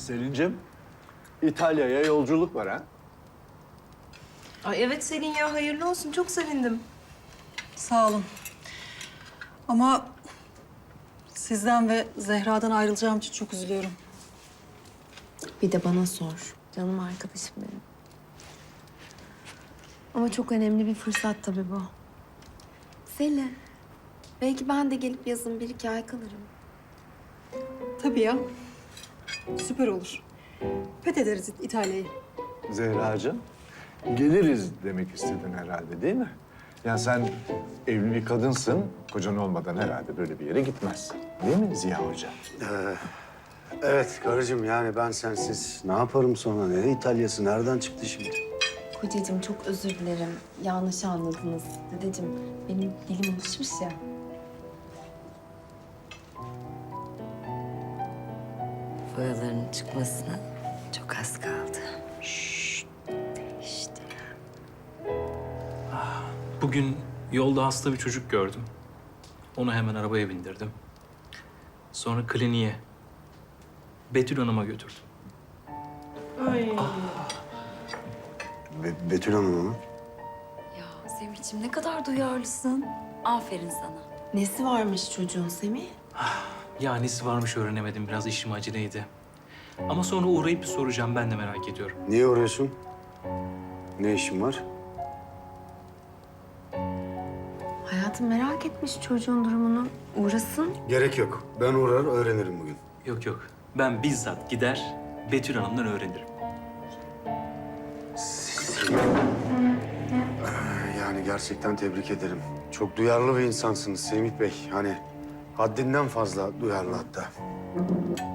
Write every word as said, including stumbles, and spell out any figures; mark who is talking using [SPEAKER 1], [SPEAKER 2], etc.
[SPEAKER 1] Selin'cim, İtalya'ya yolculuk var ha?
[SPEAKER 2] Ay evet Selin ya, hayırlı olsun. Çok sevindim.
[SPEAKER 3] Sağ olun. Ama sizden ve Zehra'dan ayrılacağım için çok üzülüyorum.
[SPEAKER 4] Bir de bana sor. Canım arkadaşım benim. Ama çok önemli bir fırsat tabii bu. Selin, belki ben de gelip yazın bir iki ay kalırım.
[SPEAKER 3] Tabii ya. Süper olur. Fethederiz İtalya'yı.
[SPEAKER 1] Zehracığım, geliriz demek istedin herhalde değil mi? Yani sen evli bir kadınsın, kocan olmadan herhalde böyle bir yere gitmezsin. Değil mi Ziya Hoca?
[SPEAKER 5] Ee, evet karıcığım, yani ben sensiz ne yaparım sonra? Ne İtalya'sı nereden çıktı şimdi?
[SPEAKER 4] Kocacığım çok özür dilerim. Yanlış anladınız. Dedeciğim benim dilim alışmış ya.
[SPEAKER 6] Boyaların çıkmasına çok az kaldı. Şşt, değişti.
[SPEAKER 7] Bugün yolda hasta bir çocuk gördüm. Onu hemen arabaya bindirdim. Sonra kliniğe, Betül Hanım'a götürdüm.
[SPEAKER 2] Ay.
[SPEAKER 5] Be- Betül Hanım mı?
[SPEAKER 6] Ya Semih'ciğim ne kadar duyarlısın. Aferin sana.
[SPEAKER 4] Nesi varmış çocuğun Semih?
[SPEAKER 7] Ya nesi varmış öğrenemedim. Biraz işim aceleydi. Ama sonra uğrayıp bir soracağım. Ben de merak ediyorum.
[SPEAKER 5] Niye uğruyorsun? Ne işin var?
[SPEAKER 4] Hayatım merak etmiş çocuğun durumunu. Uğrasın.
[SPEAKER 5] Gerek yok. Ben uğrar öğrenirim bugün.
[SPEAKER 7] Yok yok. Ben bizzat gider Betül Hanım'dan öğrenirim.
[SPEAKER 5] Yani gerçekten tebrik ederim. Çok duyarlı bir insansınız Semih Bey. Hani haddinden fazla duyarlı hatta.